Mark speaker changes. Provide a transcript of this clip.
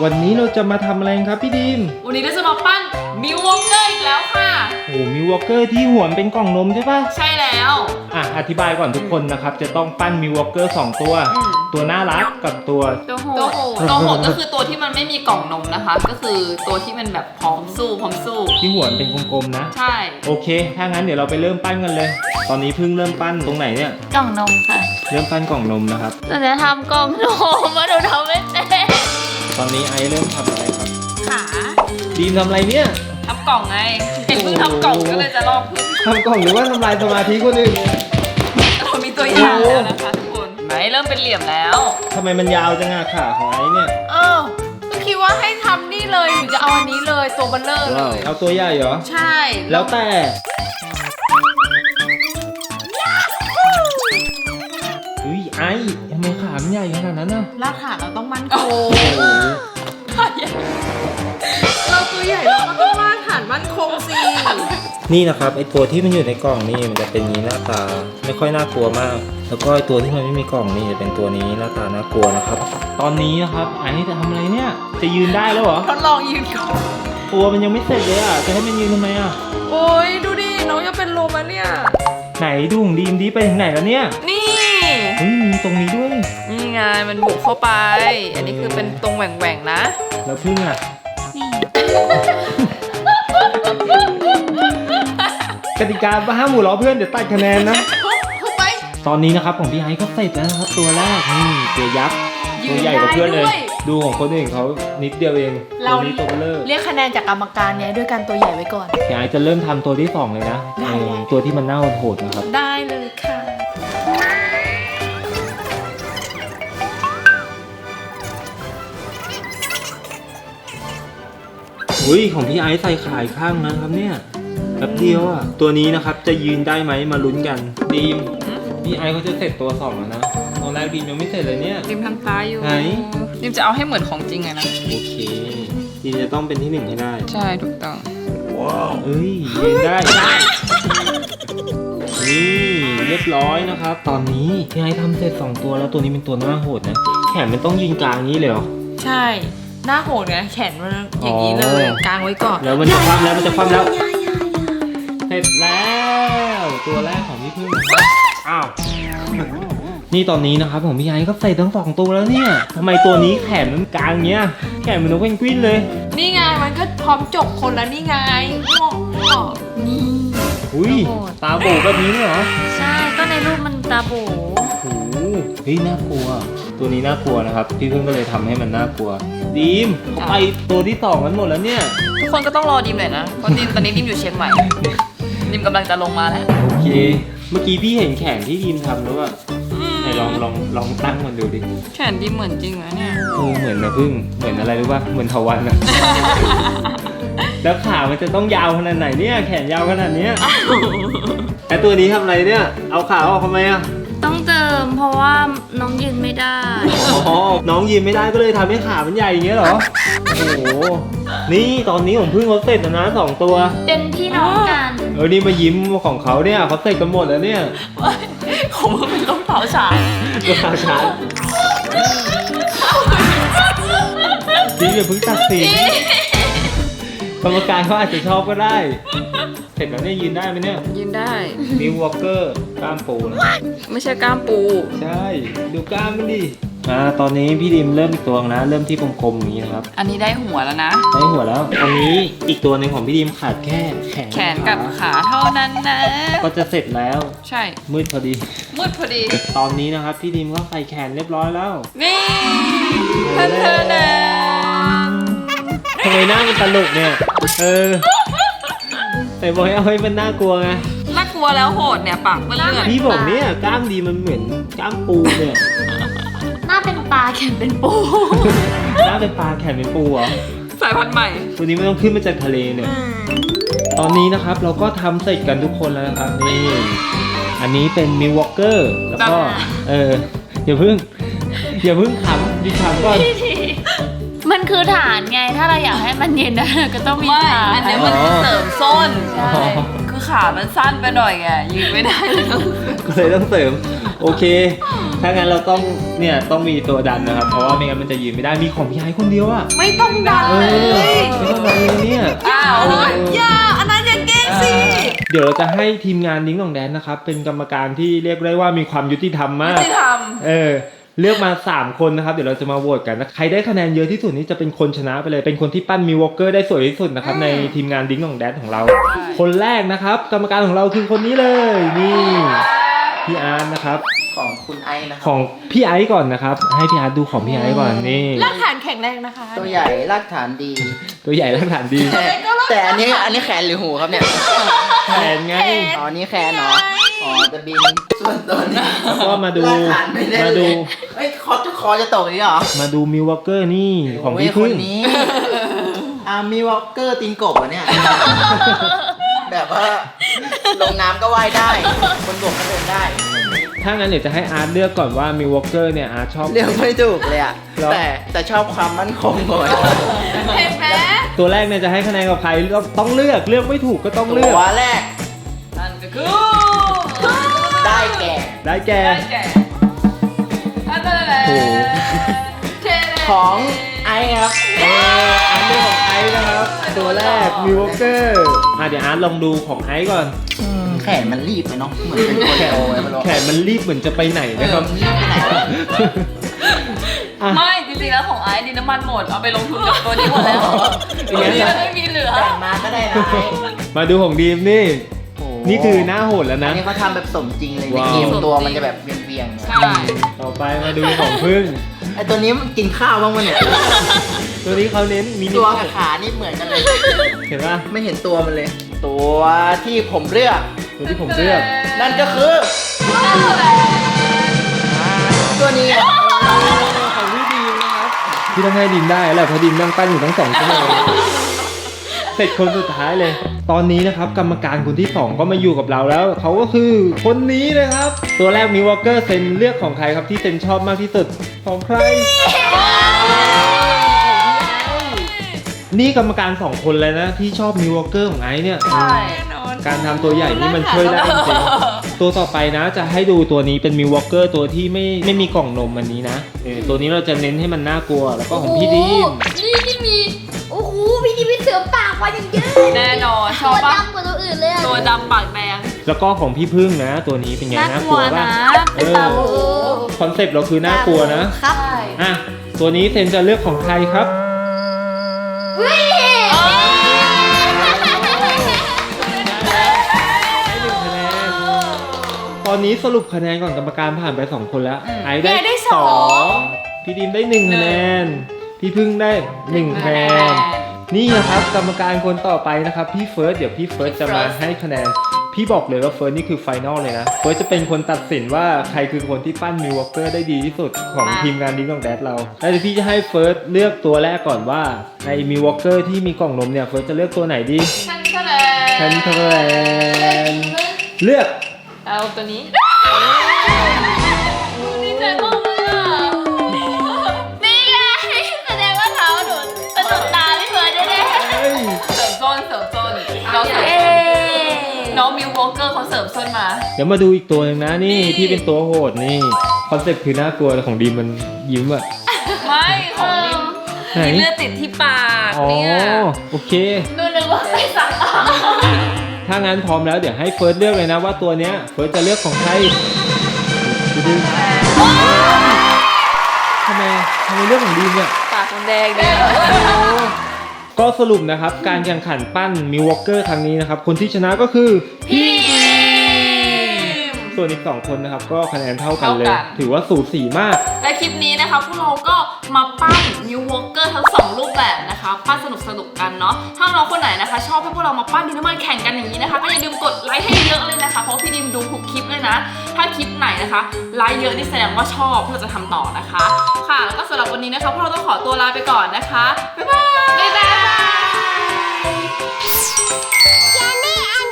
Speaker 1: วันนี้เราจะมาทำอะไรครับพี่ดีม
Speaker 2: วันนี้เราจะมาปั้นมิววอลเกอร์อีกแล้วค่ะ
Speaker 1: โอ้มิววอลเกอร์ที่หัวเป็นกล่องนมใช่ปะ
Speaker 2: ใช่แล้ว
Speaker 1: อธิบายก่อนทุกคนนะครับจะต้องปั้นมิววอลเกอร์2ตัวตัวน่ารักกับตัว
Speaker 2: โหดก็คือตัวที่มันไม่มีกล่องนมนะคะก็คือตัวที่มันแบบพร้อมสู้
Speaker 1: ที่หัวเป็นกลมๆนะ
Speaker 2: ใช่
Speaker 1: โอเคถ้างั้นเดี๋ยวเราไปเริ่มปั้นกันเลยตอนนี้เพิ่งเริ่มปั้นตรงไหนเนี่ย
Speaker 3: กล่องนมค่ะ
Speaker 1: เริ่มปั้นกล่องนมนะครับ
Speaker 3: เราจะทำกล่องนมมาดูทำไม่เป็น
Speaker 1: ตอนนี้ไอเริ่มทำอะไรครับ
Speaker 2: ขา
Speaker 1: ดีมทำอะไรเนี่ย
Speaker 2: ทำกล่องไงเห็นเพิ่งทำกล่องก็เลยจะลองพึ่ง
Speaker 1: ทำกล่องหรือว่าทำลายสมาธิคนอื่น
Speaker 2: เรามีตัวอย่างแล้วนะคะทุกคนไหนเริ่มเป็นเหลี่ยมแล้ว
Speaker 1: ทำไมมันยาวจังอะขาของไอเนี่ย
Speaker 2: ก็คิดว่าให้ทำนี่เลยหรือจะเอาอันนี้เลยตัวเบลเลอร์เลย
Speaker 1: เอาตัวใหญ่เหรอ
Speaker 2: ใช่
Speaker 1: แล้วแต่ไอ้ทำไมขามันใหญ่ขนาดนั้นน่ะ
Speaker 2: รากฐานเราต้องมั่นคงเราตัวใหญ่เราก็ต้องรากฐานมั่นคงสิ
Speaker 1: นี่นะครับไอตัวที่มันอยู่ในกล่องนี่มันจะเป็นนี้หน้าตาไม่ค่อยน่ากลัวมากแล้วก็ไอตัวที่มันไม่มีกล่องนี่จะเป็นตัวนี้หน้าตาน่ากลัวนะครับตอนนี้นะครับไอ้จะทำอะไรเนี่ยจะยืนได้แล้วเหรอ
Speaker 2: ทดลองยืนก่อน
Speaker 1: ตัวมันยังไม่เสร็จเลยอ่ะจะให้มันยืนทำไมอ่ะ
Speaker 2: โอ้ยดูดิน้องจะเป็นลมแล้วเนี่ย
Speaker 1: ไหนดูของดีมดีไปถึงไหนแล้วเนี่ย
Speaker 2: นี่
Speaker 1: มีตรงนี้ด้วย
Speaker 2: นี่ไงมันบุกเข้าไปอันนี้คือเป็นตรงแหว่งๆนะ
Speaker 1: แล้วพึ่งอ่ะ
Speaker 3: นี่
Speaker 1: กติกาห้ามหมู่ล้อเพื่อนเดี๋ยวตัดคะแนนนะ
Speaker 2: เข้าไป
Speaker 1: ตอนนี้นะครับของพี่ไอซ์ก็เสร็จแล้วนะครับตัวแรกนี่ตัวยักษ์ตัวใหญ่กว่าเพื่อนเลยดูของคนอื่นเขานิดเดียวเองตัวนี้ตัวเบลเลอร์
Speaker 2: เรียกคะแนนจากกรรมการเนี่ยด้วยการตัวใหญ่ไว้ก่อน
Speaker 1: พี่ไอซ์จะเริ่มทำตัวที่2เลยนะตัวที่มันน่าโหดนะครับ
Speaker 2: ได้เลยค่ะ
Speaker 1: ของพี่ไอซ์ใส่ขายข้างนะครับเนี่ยแป๊บเดียวอ่ะตัวนี้นะครับจะยืนได้ไหมมาลุ้นกันดีมพี่ไอซ์เขาจะเสร็จตัว2แล้วนะตอนแรกดีมยังไม่เสร็จเลยเนี่ย
Speaker 2: ดีมทำตาอยู่
Speaker 1: ไหน
Speaker 2: ดีมจะเอาให้เหมือนของจริงเลยนะ
Speaker 1: โอเคดีมจะต้องเป็นที่1ให้ได้
Speaker 2: ใช่ถูกต้อง
Speaker 1: ว้าวยืนได้นี่เรียบร้อยนะครับตอนนี้พี่ไอซ์ทำเสร็จ2ตัวแล้วตัวนี้เป็นตัวหน้าโหดนะแขนมันต้องยืนกลางนี้เลยเหรอ
Speaker 2: ใช่หน้าโหดไงแขนมันอย่างนี้เลยกางไว้ก่อน
Speaker 1: แล้วมันจะคว่ำแล้วเสร็จแล้วตัวแรกของพี่พึ่งอ้าวนี่ตอนนี้นะครับของพี่ไอก็ใส่ทั้ง2ตัวแล้วเนี่ยทำไมตัวนี้แขนมันกลางเงี้ยแขนมันนกเพนกวินเลย
Speaker 2: นี่ไงมันก็พร้อมจบคนแล้วนี่ไง
Speaker 3: นี่
Speaker 1: ตาโบแบบนี้เหรอ
Speaker 3: ใช่ก็ในรูปมันตาโบ
Speaker 1: โอ้โหน่ากลัวตัวนี้น่ากลัวนะครับพี่พึ่งก็เลยทำให้มันน่ากลัวดีมเขาไปตัวที่2กันหมดแล้วเนี่ย
Speaker 2: ทุกคนก็ต้องรอดีมหน่อยนะเพราะดีมตอนนี้ดีมอยู่เชียงใหม่ดีมกำลังจะลงมาแล้ว
Speaker 1: โอเคเมื่อกี้พี่เห็นแขนที่ดีมทำแล้วอะไหนลองตั้งมันดูดิ
Speaker 2: แขนดีมเหมือนจริงเหรอเนี่ย
Speaker 1: เหมือนนะพึ่งเหมือนอะไรรู้ป่ะเหมือนทวันอะแล้วขามันจะต้องยาวขนาดไหนเนี่ยแขนยาวขนาดนี้แต่ตัวนี้ทำอะไรเนี่ยเอาขาออกทำไมอะ
Speaker 3: ต้องเติมเพราะว่าน้องยืนไม่ได้
Speaker 1: น้องยืนไม่ได้ก็เลยทำให้ขามันใหญ่อย่างเงี้ยเหรอโอ้โหนี่ตอนนี้ผมเพิ่งเขาเสร็จแล้วนะ2ตัว
Speaker 3: เป็นพี่น้องกัน
Speaker 1: นี่มายิ้มของเขาเนี่ยเขาเสร็จกันหมดแล้วเนี่ย
Speaker 2: ผมเป็นต้องเผาฉาย
Speaker 1: จริงอย่าเพิ่งตัดสินกรรมการเขาอาจจะชอบก็ได้เสร็จแล้วเนี่ยยืนได้ไหมเนี่ย
Speaker 2: ยืนได้
Speaker 1: มิววอลเกอร์กล้ามปูนะ
Speaker 2: ไม่ใช่กล้ามปู
Speaker 1: ใช่ดูกล้ามมันดิตอนนี้พี่ดิมเริ่มอีกตัวนะเริ่มที่กลมๆอย่างนี้นะครับ
Speaker 2: อันนี้ได้หัวแล้วนะ
Speaker 1: ได้หัวแล้วตอนนี้อีกตัวหนึ่งของพี่ดิมขาดแค่
Speaker 2: แขนกับขาเท่านั้นนะ
Speaker 1: ก็จะเสร็จแล้ว
Speaker 2: ใช่
Speaker 1: มืดพอดีตอนนี้นะครับพี่ดิมก็ใส่แขนเรียบร้อยแล้ว
Speaker 2: นี่ท่านนะ
Speaker 1: ทำไมหน้ามันตลกเนี่ยแต่บอกให้เอาให้มันน่ากลัวไง
Speaker 2: น่ากลัวแล้วโหดเนี่ยปากมันเลือด
Speaker 1: พี่บอกเนี่ยกล้ามดีมันเหมือนกล้ามปูเนี่ย
Speaker 3: หน้าเป็นปลาแขนเป็นปู
Speaker 1: หน้าเป็นปลาแขนเป็นปูเหรอ
Speaker 2: สายพันธุ์ใหม่
Speaker 1: ตัวนี้ไม่ต้องขึ้นมาจากทะเลเนี่ยตอนนี้นะครับเราก็ทำเสร็จกันทุกคนแล้วนะครับนี่อันนี้เป็นมิววอลเกอร์แล้วก็อย่าเพิ่งขำดิฉันก่อน
Speaker 3: มันคือฐานไงถ้าเราอยากให้มันเย็นได้ก็ต้องมีฐาน
Speaker 2: อันนี้มันคือเสริมส้นใช่คือขามันสั้นไปหน่อยไงยืนไม่ได้
Speaker 1: ก็เลยต้องเสริมโอเคถ้างั้นเราต้องเนี่ยต้องมีตัวดันนะครับ เพราะว่าไม่งั้นมันจะยืนไม่ได้มีของพี่ไอคนเดียวอะ
Speaker 2: ไม่ต้องดัน
Speaker 1: เอ
Speaker 2: เล
Speaker 1: อย ไม่ต้องดันเลยเนี่ย
Speaker 2: อ้าวอย่าอันนั้นอย่าเก้งสิ
Speaker 1: เดี๋ยวเราจะให้ทีมงานดิ้งหนองแดนนะครับเป็นกรรมการที่เรียกได้ว่ามีความยุติธรรมมาก
Speaker 2: ที่ท
Speaker 1: เลือกมา 3 คนนะครับเดี๋ยวเราจะมาโหวตกันนะใครได้คะแนนเยอะที่สุดนี่จะเป็นคนชนะไปเลยเป็นคนที่ปั้นมิววอลเกอร์ได้สวยที่สุดนะครับในทีมงานดิ้งหนองแดนของเรา คนแรกนะครับกรรมการของเราคือคนนี้เลยนี่พี่อาร์ตนะครับ
Speaker 4: ของคุณไอซ์นะค
Speaker 1: ข
Speaker 4: รับ
Speaker 1: องพี่ไอซ์ก่อนนะครับให้พี่อาร์ตดูของพี่ไอซ์ก่อนนี่
Speaker 2: ำรากฐานแข็งแรงนะคะ
Speaker 4: ตัวใหญ่รากฐานดี
Speaker 1: ตัวใหญ่และฐานดี
Speaker 4: แต่อันนี้แขนหรือหูครับเนี่ย
Speaker 1: แขนไง
Speaker 4: อ๋อนี่แขนเนาะอ๋อจะบินส่วนตัวนี้
Speaker 1: แล้วก็มาดู
Speaker 4: รากฐานไม่ได้
Speaker 1: มาดู
Speaker 4: เอ้ยคอจะตกนี่เหรอ
Speaker 1: มาดูมิววอลเกอร์นี่ของ
Speaker 4: โย
Speaker 1: พี่
Speaker 4: ค
Speaker 1: พึ่
Speaker 4: น
Speaker 1: ง
Speaker 4: นี้มีวอลเกอร์ตีนกบเหรอเนี่ย แบบว่าลงน้ำก็ว่ายได้บนบกก็เดินได้
Speaker 1: ถ้างั้นเดี๋ยวจะให้อาร์ตเลือกก่อนว่ามิววอลเกอร์เนี่ยอาร์ตชอบ
Speaker 4: เลือกไม่ถูกเลยอะ
Speaker 1: หรอ
Speaker 4: แต่ชอบความมั่นคงก่อน
Speaker 2: เห็นไหม
Speaker 1: ตัวแรกเนี่ยจะให้คะแนนกับใครต้องเลือกไม่ถูกก็ต้องเลือก
Speaker 4: ตัวแรก
Speaker 2: นั่นก็คือ
Speaker 4: ได้แก่
Speaker 1: ได้แก่
Speaker 2: ได้แก่อันนั้นแหละ
Speaker 1: โอ้โห
Speaker 2: เทเล
Speaker 4: ของไอซ์ครับ
Speaker 1: อาร์ตเลือกของไอซ์นะครับตัวแรกมิววอลเกอร์เดี๋ยวอาร์ตลองดูของไอซ์ก่อน
Speaker 4: แขนมันรีบไปเนาะเหมือนเป็นคน
Speaker 1: แขน
Speaker 4: โตไว้ไม่รู้
Speaker 1: แขนมันรีบเหมือนจะไปไหนนะครับ
Speaker 4: มันรีบไปไหนวะ
Speaker 1: อ่ะ
Speaker 2: ไม่จริงๆแล้วของไอซ์ดินน้ำมันหมดเอาไปลงทุนกับตัวนี้หมดแล้วตัวนี้ไม่มีเหลือ
Speaker 4: แบ่งมาก็ได้นะไอ้
Speaker 1: มาดูของดีมนี่
Speaker 4: โอ้
Speaker 1: นี่คือหน้าโหดแล้ว
Speaker 4: อั
Speaker 1: นะ
Speaker 4: นนี้เขาทำแบบสมจริงเลยใน
Speaker 1: ว้าว
Speaker 4: เกมตัวมันจะแบบเวียงๆเนี่ย
Speaker 2: ใช่
Speaker 1: ต่อไปมาดูของพึ่ง
Speaker 4: ไอตัวนี้มันกินข้าวบ้างมั้ยเนี่ย
Speaker 1: ตัวนี้เขาเน้นมินิ
Speaker 4: ตัวกับขานี่เหมือนกันเลย
Speaker 1: เห็นป่ะ
Speaker 4: ไม่เห็นตัวมันเลย ตัวที่ผมเลือก
Speaker 1: ตัวที่ผมเลือก
Speaker 4: นั่นก็คือตัวนี้ครับ
Speaker 1: ของพี่ดีมนะครับพี่ต้องให้ดิมได้แหละเพราะดิมนั่งปั้นอยู่ทั้ง2 ชั่วโมงเสร็จคนสุดท้ายเลย ตอนนี้นะครับกรรมการคนที่ 2 ก็มาอยู่กับเราแล้วเขาก็คือคนนี้เลยครับ ตัวแรกมิววอลเกอร์เซนเลือกของใครครับที่เซนชอบมากที่สุดของใคร นี่กรรมการ 2 คนเลยนะที่ชอบมิววอลเกอร์ของไอซ์เนี่ย
Speaker 2: ใช่
Speaker 1: การทำตัวใหญ่นี่มันช่วยได้จริงๆตัวต่อไปนะจะให้ดูตัวนี้เป็นมิววอลเกอร์ตัวที่ไม่มีกล่องนมอันนี้นะตัวนี้เราจะเน้นให้มันน่ากลัวแล้วก็ของพี่ดีม
Speaker 3: นี่ที่มี โอ้โห พี่ดีมีเสือปากมาอย่างเยอะ
Speaker 2: แน่นอนช
Speaker 3: ตั
Speaker 2: อบ
Speaker 3: ว
Speaker 2: ปะ
Speaker 3: ดำกว่าตัวอื่นเลยอะ
Speaker 2: ตัวดำปากแดง
Speaker 1: แล้วก็ของพี่พึ่งนะ ตัวนี้เป็นไงน่ากลัวป่ะ
Speaker 2: เป็นตาโห
Speaker 1: คอนเซปต์เราคือน่ากลัวนะ
Speaker 3: ครับ
Speaker 2: ใช่
Speaker 1: อ่ะตัวนี้เซนจะเลือกของใครครับ
Speaker 3: เฮ้ย
Speaker 1: ให้1 คะแนนตอนนี้สรุปคะแนนก่อนกรรมการผ่านไป2 คนแล้วไอซ์ได้2พี่ดีมได้1 คะแนนพี่พึ่งได้1 คะแนนนี่นะครับกรรมการคนต่อไปนะครับพี่เฟิร์สเดี๋ยวพี่เฟิร์สจะมาให้คะแนนพี่บอกเลยว่าเฟิร์สนี่คือไฟนอลเลยนะเฟิร์สจะเป็นคนตัดสินว่าใครคือคนที่ปั้นมิววอลเกอร์ได้ดีที่สุดของทีมงานดิ้งของแดดเราแล้วเดี๋ยวพี่จะให้เฟิร์สเลือกตัวแรกก่อนว่าในมิววอลเกอร์ที่มีกล่องนมเนี่ยเฟิร์สจะเลือกตัวไหนดี
Speaker 2: ฉันก็เล
Speaker 1: แคนเทอร์แลนเลือก
Speaker 2: เอาตัวนี้
Speaker 3: ดีใจมากเลยอะนี่ไงแสดงว่าเขาหนูสะดุดตาพี่เฟิร์นแน่
Speaker 1: เฮ้ย
Speaker 2: เสริมส้นน้องเสริม
Speaker 3: ๆเอ๊
Speaker 2: น้องมิววอลเกอร์เขาเสริมส้นมา
Speaker 1: เดี๋ยวมาดูอีกตัวหนึ่งนะนี่
Speaker 2: นี่
Speaker 1: ที่เป็นตัวโหดนี่คอนเซ็ปต์คือน่ากลัวแต่ของดีมมันยิ้มอะ
Speaker 2: ไม่ของดิม
Speaker 1: ไหน
Speaker 2: มีเลือดติดที่ปาก
Speaker 1: อ๋อ
Speaker 2: เนี่ย
Speaker 1: โอเค
Speaker 3: หนูนึกว่าไปสัก
Speaker 1: ถ้างั้นพร้อมแล้วเดี๋ยวให้เฟิร์สเลือกเลยนะว่าตัวเนี้ยเฟิร์สจะเลือกของใครดูทำไมเลือกของดีมเนี่ย
Speaker 2: ปากมันแดงเนี่ย
Speaker 1: ก็สรุปนะครับการแข่งขันปั้นมิววอลเกอร์ครั้งนี้นะครับคนที่ชนะก็คือ
Speaker 2: พี่
Speaker 1: ส่วนอีก2 คนนะครับก็คะแนนเท่ากันเลย
Speaker 2: เท่ากัน
Speaker 1: ถือว่าสูสีมาก
Speaker 2: และคลิปนี้นะคะพวกเราก็มาปั้นมิววอลเกอร์ทั้ง2รูปแบบนะคะปั้นสนุกกันเนาะถ้าน้องคนไหนนะคะ ชอบให้พวกเรามาปั้นดินน้ำมันแข่งกันอย่างนี้นะคะก็อย่าลืมกดไลค์ให้เยอะเลยนะคะเพราะพี่ดิมดูทุกคลิปเลยนะถ้าคลิปไหนนะคะไลค์เยอะนี่แสดงว่าชอบที่เราจะทำต่อนะคะ ค่ะแล้วก็สำหรับวันนี้นะคะพวกเราต้องขอตัวลาไปก่อนนะคะบ๊ายบาย
Speaker 3: Jenny and